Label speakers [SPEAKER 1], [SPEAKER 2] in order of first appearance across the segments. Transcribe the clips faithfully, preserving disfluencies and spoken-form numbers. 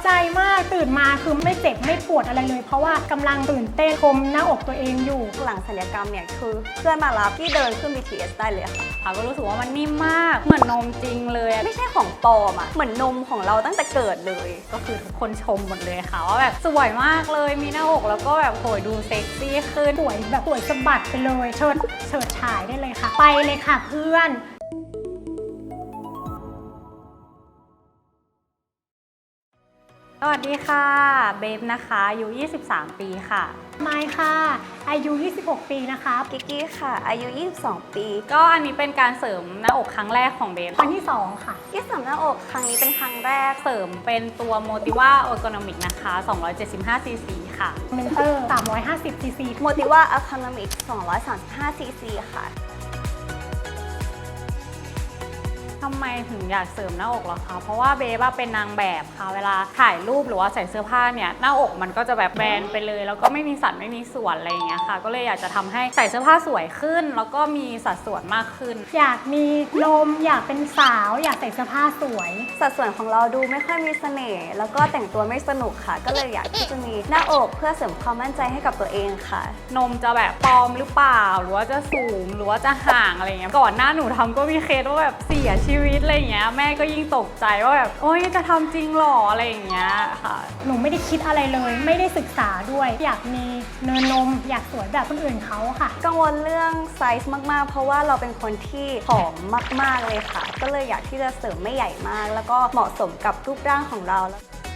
[SPEAKER 1] ใจมากตื่นมาคือไม่เจ็บไม่ปวดอะไรเลยเพราะว่ากำลังตื่นเต้นชมหน้าอกตัวเองอยู่
[SPEAKER 2] หลังศัลยกรรมเนี่ยคือเพื่อนมารับที่เดินขึ้น บี ที เอส ได้เลยค่ะ
[SPEAKER 3] ค่ะก็รู้สึกว่ามันนิ่มมากเหมือนนมจริงเลย
[SPEAKER 2] ไม่ใช่ของปลอมอะเหมือนนมของเราตั้งแต่เกิดเลย
[SPEAKER 3] ก็คือทุกคนชมหมดเลยค่ะว่าแบบสวยมากเลยมีหน้าอกแล้วก็แบบโหยดูเซ็กซี่ขึ้น
[SPEAKER 1] สวยแบบสวยสะบัดไปเลยเชิดเฉิดฉายได้เลยค่ะไปเลยค่ะเพื่อน
[SPEAKER 3] สวัสดีค่ะเบฟนะคะอายุยี่สิบสามปีค่ะ
[SPEAKER 1] ไมค์ค่ะอายุยี่สิบหกปีนะคะ
[SPEAKER 2] กิ๊กกี้ค่ะอายุยี่สิบสองปี
[SPEAKER 3] ก็อันนี้เป็นการเสริมหน้าอกครั้งแรกของเบฟ
[SPEAKER 1] ครั้งที่สองค่ะ
[SPEAKER 2] ที่เสริมหน้าอกครั้งนี้เป็นครั้งแรก
[SPEAKER 3] เสริมเป็นตัว Motiva Ergonomic นะคะสองร้อยเจ็ดสิบห้าซีซีค่ะ
[SPEAKER 1] เมนเตอร์สามร้อยห้าสิบซีซี
[SPEAKER 2] Motiva Ergonomic สองร้อยสามสิบห้าซีซีค่ะ
[SPEAKER 3] ทำไมถึงอยากเสริมหน้าอกหรอคะเพราะว่าเบฟเป็นนางแบบค่ะเวลาถ่ายรูปหรือว่าใส่เสื้อผ้าเนี่ยหน้าอกมันก็จะแบบแบนไปเลยแล้วก็ไม่มีสัดไม่มีส่วนอะไรอย่างเงี้ยค่ะก็เลยอยากจะทำให้ใส่เสื้อผ้าสวยขึ้นแล้วก็มีสัดส่วนมากขึ้น
[SPEAKER 1] อยากมีลมอยากเป็นสาวอยากใส่เสื้อผ้าสวย
[SPEAKER 2] สัดส่วนของเราดูไม่ค่อยมีเสน่ห์แล้วก็แต่งตัวไม่สนุกค่ะก็เลยอยากที่จะมีหน้าอกเพื่อเสริมความมั่นใจให้กับตัวเองค่ะ
[SPEAKER 3] นมจะแบบปลอมหรือเปล่าหรือว่าจะสูงหรือว่าจะห่างอะไรเงี้ยก่อนหน้าหนูทำก็มีเคสว่าแบบเสียชีวิตอะไรอย่างเงี้ยแม่ก็ยิ่งตกใจว่าแบบโอ๊ยจะทำจริงหรออะไรอย่างเงี้ยค่ะ
[SPEAKER 1] หนูไม่ได้คิดอะไรเลยไม่ได้ศึกษาด้วยอยากมีเนินนมอยากสวยแบบคนอื่นเขาค่ะ
[SPEAKER 2] กังวลเรื่องไซส์มากๆเพราะว่าเราเป็นคนที่ผอมมากๆเลยค่ะก็เลยอยากที่จะเสริมไม่ใหญ่มากแล้วก็เหมาะสมกับรูปร่างของเรา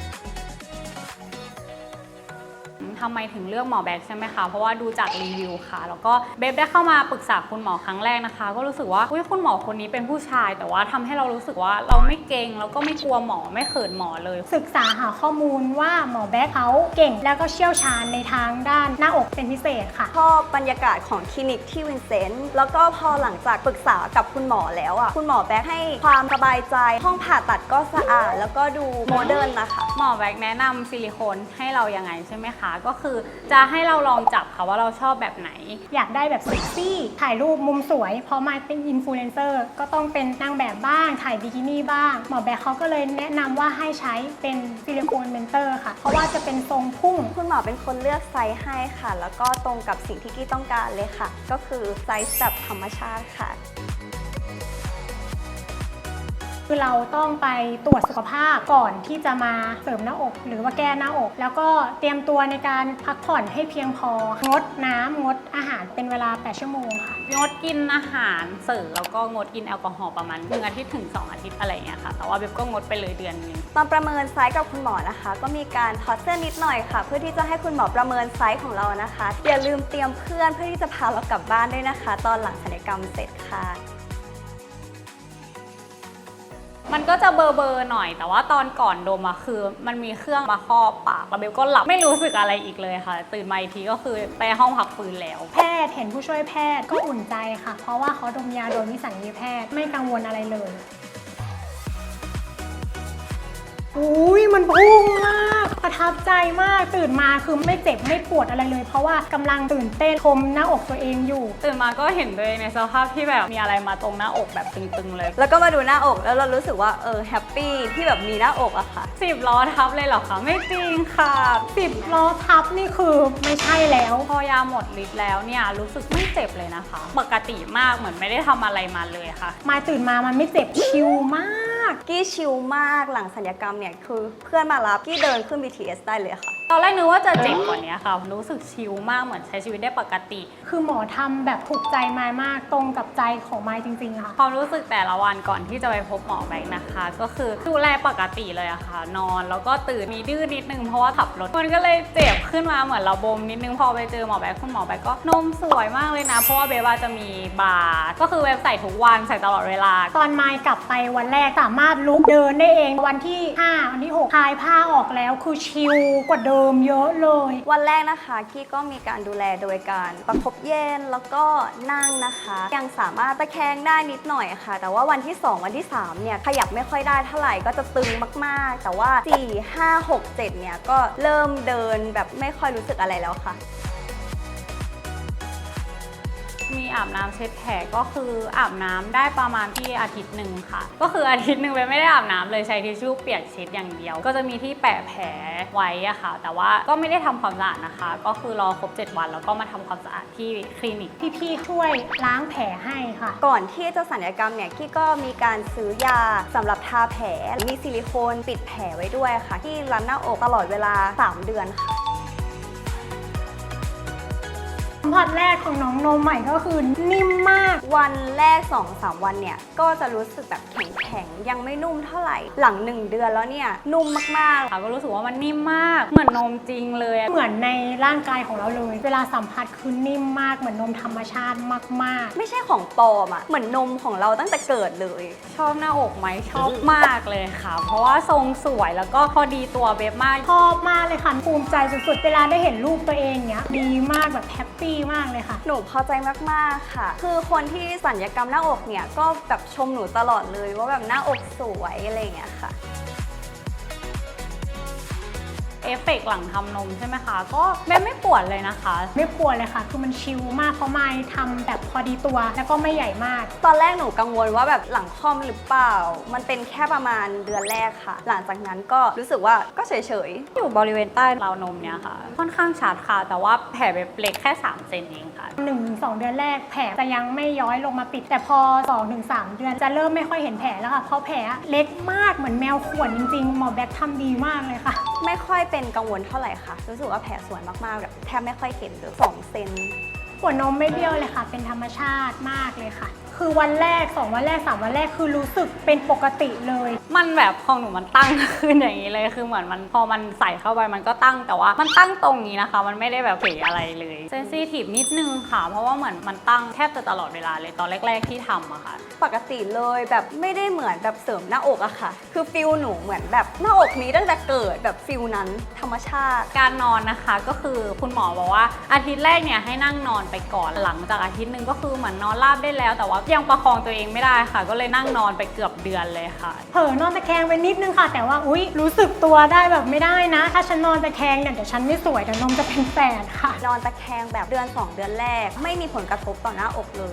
[SPEAKER 3] ทำไมถึงเลือกหมอแบ็กใช่ไหมคะเพราะว่าดูจากรีวิวค่ะแล้วก็เบฟได้เข้ามาปรึกษาคุณหมอครั้งแรกนะคะก็รู้สึกว่าอุ๊ยคุณหมอคนนี้เป็นผู้ชายแต่ว่าทำให้เรารู้สึกว่าเราไม่เกรงแล้วก็ไม่กลัวหมอไม่เขินหมอเลย
[SPEAKER 1] ศึกษาหาข้อมูลว่าหมอแบ็กเขาเก่งแล้วก็เชี่ยวชาญในทางด้านหน้าอกเป็นพิเศษค่ะ
[SPEAKER 2] ชอบบรรยากาศของคลินิกที่วินเซนต์แล้วก็พอหลังจากปรึกษากับคุณหมอแล้วอ่ะคุณหมอแบ็กให้ความสบายใจห้องผ่าตัดก็สะอาดแล้วก็ดูโมเดิร์นนะคะ
[SPEAKER 3] หมอแบ็กแนะนำซิลิโคนให้เรายังไงใช่ไหมคะก็คือจะให้เราลองจับค่ะว่าเราชอบแบบไหน
[SPEAKER 1] อยากได้แบบเซ็กซี่ถ่ายรูปมุมสวยเพราะมาเป็นอินฟลูเอนเซอร์ก็ต้องเป็นนางแบบบ้างถ่ายบิกินี่บ้างหมอแบ็คเขาก็เลยแนะนำว่าให้ใช้เป็นซิลิโคนเมนเตอร์ค่ะเพราะว่าจะเป็นทรงพุ่ง
[SPEAKER 2] คุณหมอเป็นคนเลือกไซส์ให้ค่ะแล้วก็ตรงกับสิ่งที่กี้ต้องการเลยค่ะก็คือไซส์แบบธรรมชาติค่ะ
[SPEAKER 1] คือเราต้องไปตรวจสุขภาพก่อนที่จะมาเสริมหน้าอกหรือว่าแก้หน้าอกแล้วก็เตรียมตัวในการพักผ่อนให้เพียงพองดน้ำงดอาหารเป็นเวลาแปดชั่วโมงค่ะ
[SPEAKER 3] งดกินอาหารเสริมแล้วก็งดกินแอลกอฮอล์ประมาณหนึ่งอาทิตย์ถึงสองอาทิตย์อะไรอย่างเงี้ยค่ะแต่ว่าเบบก็งดไปเลยเดือนนึง
[SPEAKER 2] ตอนประเมินไซส์กับคุณหมอนะคะก็มีการถอดเสื้อนิดหน่อยค่ะเพื่อที่จะให้คุณหมอประเมินไซส์ของเรานะคะอย่าลืมเตรียมเพื่อนเพื่อที่จะพาเรากลับบ้านด้วยนะคะตอนหลังศัลยกรรมเสร็จค่ะ
[SPEAKER 3] มันก็จะเบอร์เบอร์หน่อยแต่ว่าตอนก่อนดมอะคือมันมีเครื่องมาครอบปากแล้วเบลก็หลับไม่รู้สึกอะไรอีกเลยค่ะตื่นมาอีกทีก็คือไปห้องพักฟื้นแล้ว
[SPEAKER 1] แพทย์เห็นผู้ช่วยแพทย์ก็อุ่นใจค่ะเพราะว่าเขาดมยาโดยวิสัญญีแพทย์ไม่กังวลอะไรเลยอุ้ยมันพุ่งมากประทับใจมากตื่นมาคือไม่เจ็บไม่ปวดอะไรเลยเพราะว่ากำลังตื่นเต้นชมหน้าอกตัวเองอยู่
[SPEAKER 3] ตื่นมาก็เห็นเลยในสภาพที่แบบมีอะไรมาตรงหน้าอกแบบตึงๆเลย
[SPEAKER 2] แล้วก็มาดูหน้าอกแล้วเรารู้สึกว่าเออแฮปปี้ที่แบบมีหน้าอกอะค่ะ
[SPEAKER 3] สิบล้อทับเลยเหรอคะไม่จริงค่ะ
[SPEAKER 1] สิบล้อทับนี่คือไม่ใช่แล้ว
[SPEAKER 3] พอยาหมดฤทธิ์แล้วเนี่ยรู้สึกไม่เจ็บเลยนะคะปกติมากเหมือนไม่ได้ทำอะไรมาเลยค่ะ
[SPEAKER 1] มาตื่นมามันไม่เจ็บชิลมาก
[SPEAKER 2] กี้ชิลมากหลังศัลยกรรมเนี่ยคือเพื่อนมารับกี้เดินขึ้น บี ที เอส ได้เลยค่ะ
[SPEAKER 3] ตอนแรกนึกว่าจะเจ็บกว่านี้ค่ะรู้สึกชิลมากเหมือนใช้ชีวิตได้ปกติ
[SPEAKER 1] คือหมอทำแบบถูกใจมายมากตรงกับใจของมายจริงๆค่ะ
[SPEAKER 3] ความรู้สึกแต่ละวันก่อนที่จะไปพบหมอแบงค์นะคะก็คือดูแลปกติเลยอะค่ะนอนแล้วก็ตื่นมีดื้อนิดนึงเพราะว่าขับรถมันก็เลยเจ็บขึ้นมาเหมือนเราบมนิดนึงพอไปเจอหมอแบงค์คุณหมอแบงค์ก็นมสวยมากเลยนะเพราะว่าเบว่าจะมีบาร์ก็คือเว็บใส่ทุกวันใส่ตลอดเวลา
[SPEAKER 1] ตอนมายกลับไปวันแรกสามารถลุกเดินได้เองวันที่ห้าวันที่หกคลายผ้าออกแล้วคือชิลกว่าเดิมเยอะเลย
[SPEAKER 2] วันแรกนะคะกี้ก็มีการดูแลโดยการประคบเย็นแล้วก็นั่งนะคะยังสามารถตะแคงได้นิดหน่อยค่ะแต่ว่าวันที่สองวันที่สามเนี่ยขยับไม่ค่อยได้เท่าไหร่ก็จะตึงมากๆแต่ว่าสี่ ห้า หก เจ็ดเนี่ยก็เริ่มเดินแบบไม่ค่อยรู้สึกอะไรแล้วค่ะ
[SPEAKER 3] มีอาบน้ำเช็ดแผลก็คืออาบน้ำได้ประมาณที่อาทิตย์หนึ่งค่ะก็คืออาทิตย์หนึ่งเบนไม่ได้อาบน้ำเลยใช้ทิชชู่เปียกเช็ดอย่างเดียวก็จะมีที่แปะแผลไว้อะค่ะแต่ว่าก็ไม่ได้ทำความสะอาดนะคะก็คือรอครบเจ็ดวันแล้วก็มาทำความสะอาดที่คลินิก
[SPEAKER 1] พี่ๆช่วยล้างแผลให้ค่ะ
[SPEAKER 2] ก่อนที่จะศัลยกรรมเนี่ยกี้ก็มีการซื้อยาสำหรับทาแผลมีซิลิโคนปิดแผลไว้ด้วยค่ะ ที่รันหน้าอกตลอดเวลาสามเดือนค่ะ
[SPEAKER 1] สัมผัสแรกของน้องนมใหม่ก็คือนิ่มมาก
[SPEAKER 2] วันแรก สองถึงสาม วันเนี่ยก็จะรู้สึกแบบแข็งๆยังไม่นุ่มเท่าไหร่หลังหนึ่งเดือนแล้วเนี่ยนุ่มมากๆ
[SPEAKER 3] ค่ะก็รู้สึกว่ามันนิ่มมากเหมือนนมจริงเลยอะ
[SPEAKER 1] เหมือนในร่างกายของเราเลย เวลาสัมผัสคือนิ่มมากเหมือนนมธรรมชาติมากๆ
[SPEAKER 2] ไม่ใช่ของปลอมอะเหมือนนมของเราตั้งแต่เกิดเลย
[SPEAKER 3] ชอบหน้าอกไหมชอบมากเลยค่ะ เพราะว่าทรงสวยแล้วก็พอดีตัวเบฟมาก
[SPEAKER 1] ชอบมากเลยค่ะภูมิใจสุดๆเวลาได้เห็นรูปตัวเองเนี้ยดีมากแบบแฮปปี้มากเลยค่ะ
[SPEAKER 2] หนูพอใจมากๆค่ะ คือคนที่สัญญกรรมหน้าอกเนี่ยก็แบบชมหนูตลอดเลยว่าแบบหน้าอกสวยอะไรอย่างเงี้ยค่ะ
[SPEAKER 3] เอฟเฟกต์หลังทำนมใช่ไหมคะก็เบฟไม่ปวดเลยนะคะ
[SPEAKER 1] ไม่ปวดเลยค่ะ คือมันชิลมากเพราะไม้ทำแบบพอดีตัวแล้วก็ไม่ใหญ่มาก
[SPEAKER 2] ตอนแรกหนูกังวลว่าแบบหลังคลอมหรือเปล่า มันเป็นแค่ประมาณเดือนแรกค่ะ หลังจากนั้นก็รู้สึกว่าก็เฉยๆ
[SPEAKER 3] อยู่บริเวณใต้ราวนมเนี่ยค่ะ ค่อนข้างชัดค่ะ แต่ว่าแผลเบฟเล็กแค่สามเซนเองค่ะ
[SPEAKER 1] หนึ่งถึงสอง เดือนแรกแผลจะยังไม่ย้อยลงมาปิด แต่พอ สองถึงสาม เดือนจะเริ่มไม่ค่อยเห็นแผลแล้วค่ะเพราะแผลเล็กมากเหมือนแมวข่วนจริงๆหมอแบ็คทำดีมากเลยค่ะ
[SPEAKER 2] ไม่ค่อยเป็นกังวลเท่าไหร่ค่ะ รู้สึกว่าแผลสวยมากๆแบบแทบไม่ค่อยเห็นเลยสองเซน
[SPEAKER 1] หัวนมไม่เบี้ยวเลยค่ะ เป็นธรรมชาติมากเลยค่ะ คือวันแรกสองวันแรกสามวันแรกคือรู้สึกเป็นปกติเลย
[SPEAKER 3] มันแบบของหนูมันตั้งขึ้นอย่างนี้เลยคือเหมือนมันพอมันใส่เข้าไปมันก็ตั้งแต่ว่ามันตั้งตรงนี้นะคะ มันไม่ได้แบบเผยอะไรเลยเซนซิทีฟนิดนึงค่ะ เพราะว่าเหมือนมันตั้งแทบจะตลอดเวลาเลยตอนแรก ๆที่ทำอะค่ะ
[SPEAKER 2] ปกติเลยแบบไม่ได้เหมือนแบบเสริมหน้าอกอะค่ะ คือฟิลหนูเหมือนแบบหน้าอกนี้ตั้งแต่เกิดแบบฟิลนั้นธรรมชาติ
[SPEAKER 3] การนอนนะคะก็คือคุณหมอบอกว่าอาทิตย์แรกเนี่ยให้นั่งนอนไปก่อนหลังจากอาทิตย์หนึ่งก็คือเหมือนนอนราบได้แล้ว แต่ว่ายังประคองตัวเองไม่ได้ค่ะ ก็เลยนั่งนอนไปเกือบเดือนเลยค่ะ
[SPEAKER 1] เผลอนอนตะแคงไปนิดนึงค่ะ แต่ว่าอุ๊ยรู้สึกตัวได้แบบไม่ได้นะ ถ้าฉันนอนตะแคงเนี่ยเดี๋ยวฉันไม่สวยเดี๋ยวนมจะเป็นแฝดค่ะ
[SPEAKER 2] นอนตะแคงแบบเดือนสองเดือนแรก ไม่มีผลกระทบต่อหน้าอกเลย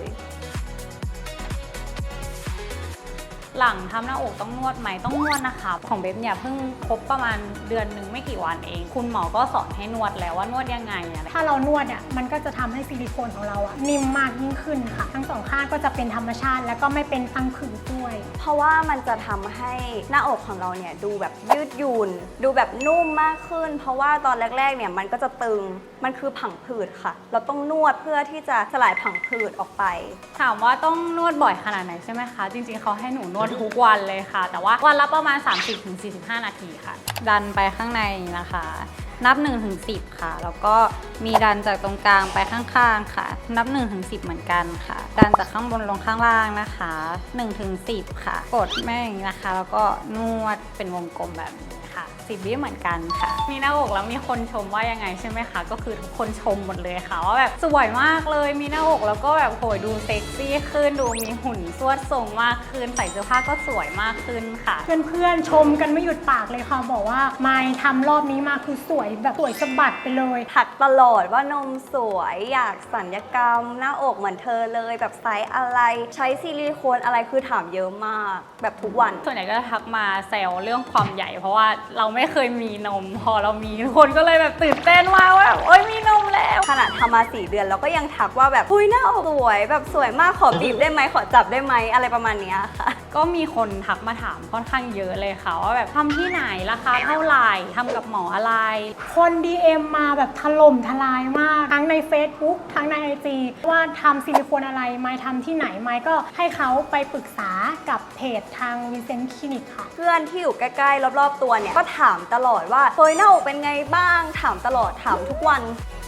[SPEAKER 3] หลังทำหน้าอกต้องนวดไหมต้องนวดนะคะ ของเบฟเนี่ยเพิ่งครบประมาณเดือนหนึ่งไม่กี่วันเอง คุณหมอก็สอนให้นวดแล้วว่านวดยังไงอะ
[SPEAKER 1] ถ้าเรานวดอ่ะมันก็จะทำให้ซิลิโคนของเราอ่ะนิ่มมากยิ่งขึ้นค่ะ ทั้งสองข้างก็จะเป็นธรรมชาติ แล้วก็ไม่เป็นพังผืดด้วย
[SPEAKER 2] เพราะว่ามันจะทำให้หน้าอกของเราเนี่ยดูแบบยืดหยุ่น ดูแบบนุ่มมากขึ้น เพราะว่าตอนแรกๆเนี่ยมันก็จะตึง มันคือผังผืดค่ะ เราต้องนวดเพื่อที่จะสลายผังผืดออกไป
[SPEAKER 3] ถามว่าต้องนวดบ่อยขนาดไหนใช่ไหมคะ จริงๆเขาให้หนูนวดทุกวันเลยค่ะ แต่ว่าวันละประมาณ สามสิบถึงสี่สิบห้า นาทีค่ะ ดันไปข้างในนะคะ นับ หนึ่งถึงสิบ ค่ะ แล้วก็มีดันจากตรงกลางไปข้างๆค่ะ นับ หนึ่งถึงสิบ เหมือนกันค่ะ ดันจากข้างบนลงข้างล่างนะคะ หนึ่งถึงสิบ ค่ะ กดแม่อย่างนี้นะคะ แล้วก็นวดเป็นวงกลมแบบนี้ค่ะสิบวิเหมือนกันค่ะ มีหน้าอกแล้วมีคนชมว่ายังไงใช่ไหมคะ ก็คือทุกคนชมหมดเลยค่ะว่าแบบสวยมากเลย มีหน้าอกแล้วก็แบบโหยดูเซ็กซี่ขึ้น ดูมีหุ่นสวดทรงมากขึ้น ใส่เสื้อผ้าก็สวยมากขึ้นค่ะ
[SPEAKER 1] เพื่อนๆชมกันไม่หยุดปากเลยค่ะ บอกว่าไมค์ทำรอบนี้มาคือสวยแบบสวยสะบัดไปเลย
[SPEAKER 2] ถักตลอดว่านมสวยอยากสัญญกรรม หน้าอกเหมือนเธอเลยแบบไซส์อะไร ใช้ซิลิโคนอะไรคือถามเยอะมาก แบบทุกวัน
[SPEAKER 3] ส่วนใหญ่ก็จะทักมาแซวเรื่องความใหญ่ เพราะว่าเราไม่เคยมีนม พอเรามีทุกคนก็เลยแบบตื่นเต้นมากว่าแบบโอ๊ยมีนมแล้ว
[SPEAKER 2] ขนาดทำมาสี่เดือนแล้วก็ยังทักว่าแบบอุ้ยหน้าอกสวยแบบสวยมากขอบีบได้ไหมขอจับได้ไหมอะไรประมาณเนี้ยค่ะ
[SPEAKER 3] ก็มีคนทักมาถามค่อนข้างเยอะเลยค่ะว่าแบบทำที่ไหนราคาเท่าไหร่ทำกับหมออะไร
[SPEAKER 1] คน ดี เอ็ม มาแบบถล่มทลายมาก ทั้งใน Facebook ทั้งใน ไอ จี ว่าทำซิลิโคนอะไรไมค์ทำที่ไหนไมค์ก็ให้เขาไปปรึกษากับเพจทางวินเซนต์คลินิกค่ะ
[SPEAKER 2] เพื่อนที่อยู่ใกล้ๆรอบๆตัวเนี่ยก็ถามตลอดว่าเฮ้ยหน้าอกเป็นไงบ้างถามตลอดถามทุกวัน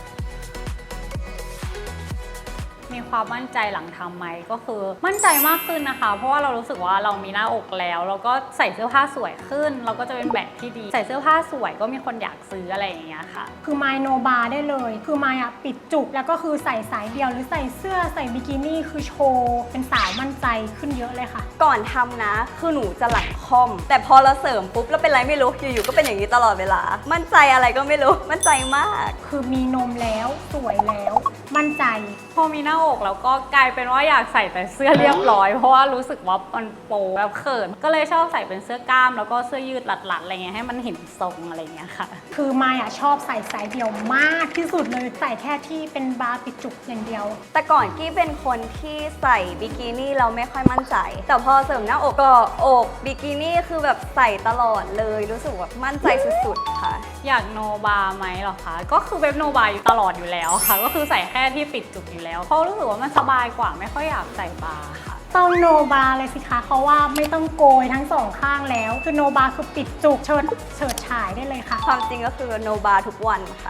[SPEAKER 3] มีความมั่นใจหลังทำไหมก็คือมั่นใจมากขึ้นนะคะ เพราะว่าเรารู้สึกว่าเรามีหน้าอกแล้วแล้วก็ใส่เสื้อผ้าสวยขึ้น เราก็จะเป็นแบบที่ดี ใส่เสื้อผ้าสวยก็มีคนอยากซื้ออะไรอย่างเงี้ยค่ะ
[SPEAKER 1] คือไมค์โนบาร์ได้เลย คือไมค์อะปิดจุกแล้วก็คือใส่สายเดียวหรือใส่เสื้อใส่บิกินี่คือโชว์เป็นสาวมั่นใจขึ้นเยอะเลยค่ะ
[SPEAKER 2] ก่อนทำนะคือหนูจะหลังคอม แต่พอเราเสริมปุ๊บแล้วเป็นไรไม่รู้อยู่ๆก็เป็นอย่างนี้ตลอดเวลา มั่นใจอะไรก็ไม่รู้มั่นใจมาก
[SPEAKER 1] คือมีนมแล้วสวยแล้วมั่นใจ
[SPEAKER 3] พอมีหน้าอกแล้วก็กลายเป็นว่าอยากใส่แต่เสื้อเรียบร้อยเพราะว่ารู้สึกว่ามันโป๊แบบเขินก็เลยชอบใส่เป็นเสื้อกล้ามแล้วก็เสื้อยืดหลัดๆอะไรเงี้ยให้มันเห็นทรงอะไรเงี้ยค่ะ
[SPEAKER 1] คือมายอ่ะชอบใส่สายเดี่ยวมากที่สุดเลยใส่แค่ที่เป็นบาร์ปิดจุกอย่างเดียว
[SPEAKER 2] แต่ก่อนกี้เป็นคนที่ใส่บิกินี่เราไม่ค่อยมั่นใจแต่พอเสริมหน้าอกก็อกบิกินี่คือแบบใส่ตลอดเลยรู้สึกว่ามั่นใจสุดๆค่ะ
[SPEAKER 3] อยากโนบาไหมหรอคะก็คือเว็บโนบาอยู่ตลอดอยู่แล้วค่ะก็คือใส่แค่ที่ปิดจุกอยู่แล้วเพราะรู้สึกว่ามันสบายกว่าไม่ค่อยอยากใส่บาค่ะ
[SPEAKER 1] ต้องโนบาเลยสิคะเพราะว่าไม่ต้องโกยทั้งสองข้างแล้วคือโนบาคือปิดจุกเชิดเฉิดฉายได้เลยค่ะ
[SPEAKER 2] ความจริงก็คือโนบาทุกวันค่ะ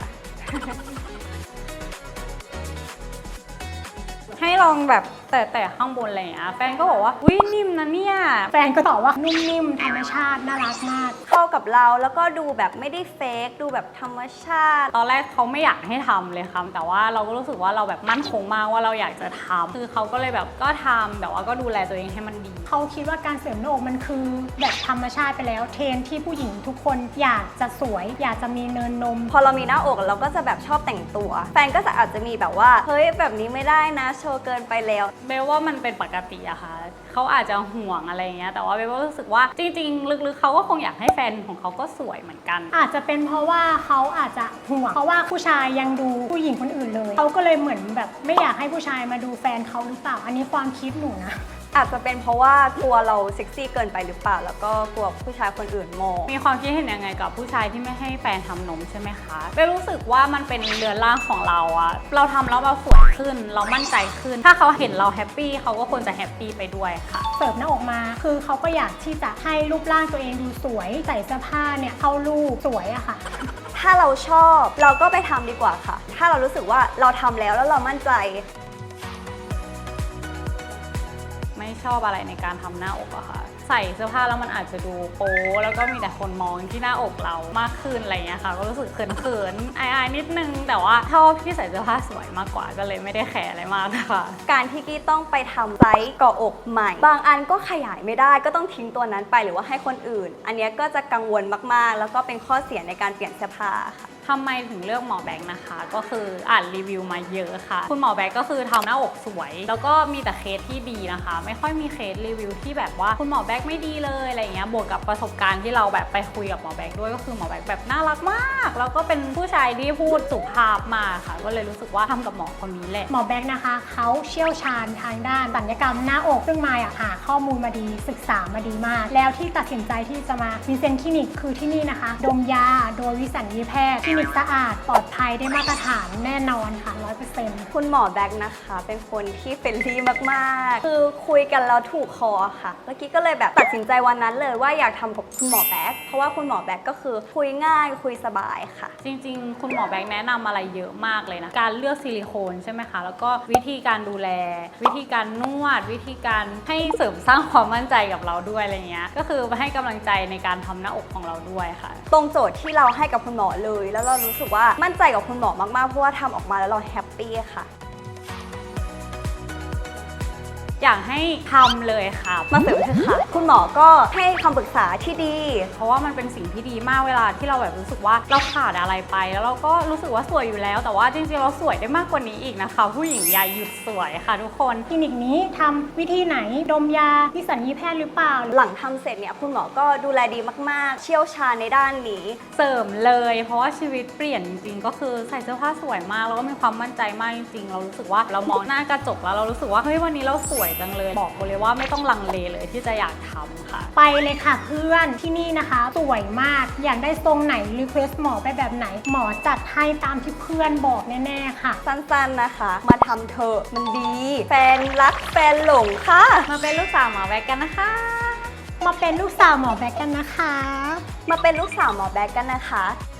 [SPEAKER 3] ให้ลองแบบแต่แต่ข้างบนอะไรอย่างเงี้ยแฟนก็บอกว่าอุ้ยนิ่มนะเนี่ย
[SPEAKER 1] แฟนก็ตอบว่านุ่มนิ่มธรรมชาติน่ารักมาก
[SPEAKER 2] เข้ากับเราแล้วก็ดูแบบไม่ได้เฟกดูแบบธรรมชาติ
[SPEAKER 3] ตอนแรกเขาไม่อยากให้ทำเลยค่ะแต่ว่าเราก็รู้สึกว่าเราแบบมั่นคงมากว่าเราอยากจะทำคือเขาก็เลยแบบก็ทำแต่ว่าก็ดูแลตัวเองให้มันดี
[SPEAKER 1] เขาคิดว่าการเสริมหน้าอกมันคือแบบธรรมชาติไปแล้วเทรนที่ผู้หญิงทุกคนอยากจะสวยอยากจะมีเนินนม
[SPEAKER 2] พอเรามีหน้าอกเราก็จะแบบชอบแต่งตัวแฟนก็จะอาจจะมีแบบว่าเฮ้ยแบบนี้ไม่ได้นะโชว์เกินไปแล้ว
[SPEAKER 3] เบลว่ามันเป็นปกติอะค่ะเขาอาจจะห่วงอะไรเงี้ยแต่ว่าเบลก็รู้สึกว่าจริงๆลึกๆเขาก็คงอยากให้แฟนของเขาก็สวยเหมือนกัน
[SPEAKER 1] อาจจะเป็นเพราะว่าเขาอาจจะห่วงเพราะว่าผู้ชายยังดูผู้หญิงคนอื่นเลยเขาก็เลยเหมือนแบบไม่อยากให้ผู้ชายมาดูแฟนเขาหรือเปล่าอันนี้ความคิดหนูนะ
[SPEAKER 2] อาจจะเป็นเพราะว่ากลัวเราเซ็กซี่เกินไปหรือเปล่าแล้วก็กลัวผู้ชายคนอื่นมอง
[SPEAKER 3] มีความคิดเห็นยังไงกับผู้ชายที่ไม่ให้แฟนทำนมใช่ไหมคะเบลรู้สึกว่ามันเป็นเรือนร่างของเราอะเราทำแล้วเราสวยขึ้นเรามั่นใจขึ้นถ้าเขาเห็นเราแฮปปี้เขาก็ควรจะแฮปปี้ไปด้วยค่ะ
[SPEAKER 1] เสิร์ฟหน้าอกมาคือเขาก็อยากที่จะให้รูปร่างตัวเองดูสวยใส่เสื้อผ้าเนี่ยเข้ารูปสวยอะค่ะ
[SPEAKER 2] ถ้าเราชอบเราก็ไปทำดีกว่าค่ะถ้าเรารู้สึกว่าเราทำแล้วแล้วเรามั่นใจ
[SPEAKER 3] ไม่ชอบอะไรในการทำหน้าอกอะค่ะใส่เสื้อผ้าแล้วมันอาจจะดูโป๊แล้วก็มีแต่คนมองที่หน้าอกเรามากขึ้นอะไรเงี้ยค่ะก็รู้สึกเขินๆอายๆนิดนึงแต่ว่าชอบที่ใส่เสื้อผ้าสวยมากกว่าก็เลยไม่ได้แคร์อะไรมากค่ะ
[SPEAKER 2] การที่กี้ต้องไปทำไซส์เกาะอกใหม่บางอันก็ขยายไม่ได้ก็ต้องทิ้งตัวนั้นไปหรือว่าให้คนอื่นอันนี้ก็จะกังวลมากๆแล้วก็เป็นข้อเสียในการเปลี่ยนเสื้อผ้าค่ะ
[SPEAKER 3] ทำไมถึงเลือกหมอแบงค์นะคะก็คืออ่านรีวิวมาเยอะค่ะคุณหมอแบงค์ก็คือทำหน้าอกสวยแล้วก็มีแต่เคสที่ดีนะคะไม่ค่อยมีเคสรีวิวที่แบบว่าคุณหมอแบงค์ไม่ดีเลยอะไรเงี้ยบวกกับประสบการณ์ที่เราแบบไปคุยกับหมอแบงค์ด้วยก็คือหมอแบงค์แบบน่ารักมากแล้วก็เป็นผู้ชายที่พูดสุภาพมากค่ะก็เลยรู้สึกว่าทำกับหมอคนนี้แหละ
[SPEAKER 1] หมอแบงค์นะคะเขาเชี่ยวชาญทางด้านศัลยกรรมหน้าอกซึ่งมายหาข้อมูลมาดีศึกษามาดีมากแล้วที่ตัดสินใจที่จะมาวินเซนต์คลินิกคือที่นี่นะคะดมยาโดยวิสัญญีแพทย์คลินิกสะอาดปลอดภัยได้มาตรฐานแน่นอนค่ะ ร้อยเปอร์เซ็นต์
[SPEAKER 2] คุณหมอแบงค์นะคะเป็นคนที่เฟรนลี่มากๆคือคุยกันแล้วถูกคอค่ะเมื่อกี้ก็เลยแบบตัดสินใจวันนั้นเลยว่าอยากทำกับคุณหมอแบงค์เพราะว่าคุณหมอแบงค์ก็คือคุยง่ายคุยสบายค่ะ
[SPEAKER 3] จริงๆคุณหมอแบงค์แนะนำอะไรเยอะมากเลยนะการเลือกซิลิโคนใช่ไหมคะแล้วก็วิธีการดูแลวิธีการนวดวิธีการให้เสริมสร้างความมั่นใจกับเราด้วยอะไรเงี้ยก็คือให้กำลังใจในการทำหน้าอกของเราด้วยค่ะ
[SPEAKER 2] ตรงโจทย์ที่เราให้กับคุณหมอเลยแล้วเรารู้สึกว่ามั่นใจกับคุณหมอมากๆเพราะว่าทำออกมาแล้วเราแฮปปี้ค่ะ
[SPEAKER 3] อยากให้ทำเลยค่ะ
[SPEAKER 2] มาเสริมเถอะค่ะคุณหมอก็ให้คำปรึกษาที่ดี
[SPEAKER 3] เพราะว่ามันเป็นสิ่งที่ดีมากเวลาที่เราแบบรู้สึกว่าเราขาดอะไรไปแล้วเราก็รู้สึกว่าสวยอยู่แล้วแต่ว่าจริงๆเราสวยได้มากกว่านี้อีกนะคะผู้หญิงอย่าหยุดสวยค่ะทุกคน
[SPEAKER 1] คลินิกนี้ทำวิธีไหนดมยาวิสัญญีแพทย์หรือเปล่า
[SPEAKER 2] หลังทำเสร็จเนี่ยคุณหมอก็ดูแลดีมากๆเชี่ยวชาญในด้านนี้
[SPEAKER 3] เสริมเลยเพราะว่าชีวิตเปลี่ยนจริงๆก็คือใส่เสื้อผ้าสวยมากแล้วก็มีความมั่นใจมากจริงๆเรารู้สึกว่าเรามองหน้ากระจกแล้วเรารู้สึกว่าเฮ้ยวันนี้เราสวยจังเลยบอกเลยว่าไม่ต้องลังเลเลยที่จะอยากทำค่ะ
[SPEAKER 1] ไปเลยค่ะเพื่อนที่นี่นะคะสวยมากอยากได้ทรงไหนรีเควสหมอไปแบบไหนหมอจัดให้ตามที่เพื่อนบอกแน่ๆค่ะ
[SPEAKER 2] สั้นๆนะคะมาทำเถอะมันดีแฟนรักแฟนหลงค่ะ
[SPEAKER 3] มาเป็นลูกสาวหมอแบงค์กันนะคะ
[SPEAKER 1] มาเป็นลูกสาวหมอแบงค์กันนะคะ
[SPEAKER 2] มาเป็นลูกสาวหมอแบงค์กันนะคะ